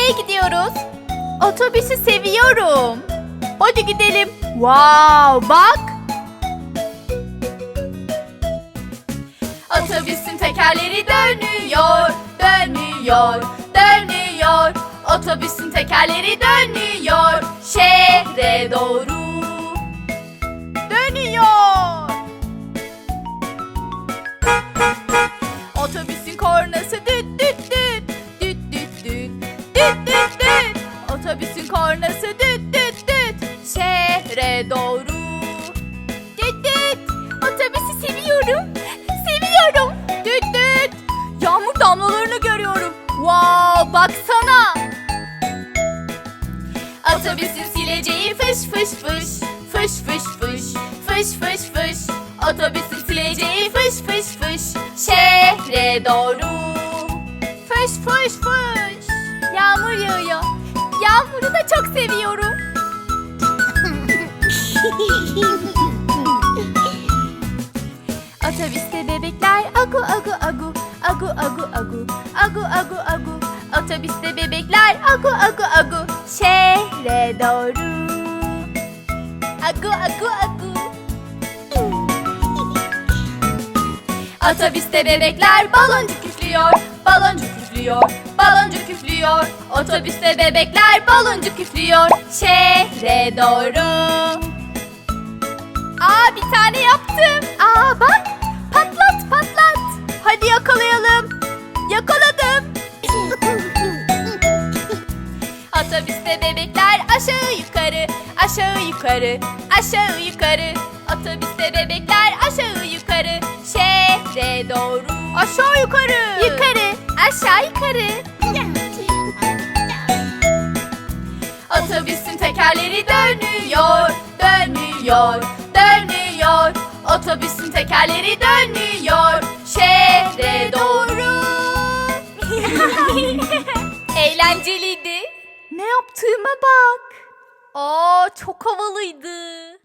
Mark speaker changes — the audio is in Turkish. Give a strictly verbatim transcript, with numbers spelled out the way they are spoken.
Speaker 1: Nereye gidiyoruz? Otobüsü seviyorum. Hadi gidelim. Wow, bak. Otobüsün tekerleri dönüyor, dönüyor, dönüyor. Otobüsün tekerleri dönüyor, şehre doğru dönüyor. Otobüsün kornası düt düt düt, düt düt düt, düt düt düt. Otobüsün kornası düt düt düt, şehre doğru. Düt düt. Otobüsü seviyorum, seviyorum. Düt düt. Yağmur damlalarını görüyorum. Wow, baksana. Otobüsün sileceği fış fış fış, fış fış fış, fış fış fış. Otobüsün sileceği fış fış fış, şehre doğru. Fış fış fış. Yağmur yağıyor. Yağmuru da çok seviyorum. Otobüste bebekler agu agu agu, agu agu agu, agu agu agu. Otobüste bebekler agu agu agu, şehre doğru. Agu agu agu. Otobüste bebekler baloncuk üflüyor, baloncuk üflüyor, baloncuk üflüyor. Otobüste bebekler baloncuk üflüyor, şehre doğru. Aa, bir tane yaptım. Aa, bak, patlat patlat. Hadi yakalayalım. Yakaladım. Otobüste bebekler aşağı yukarı, aşağı yukarı, aşağı yukarı. Otobüste bebekler aşağı yukarı, şehre doğru. Aşağı yukarı. Yukarı, aşağı yukarı. Otobüsün tekerleri dönüyor, dönüyor, dönüyor. Otobüsün tekerleri dönüyor, şehre doğru. Eğlenceliydi. Ne yaptığıma bak. Aa, çok havalıydı.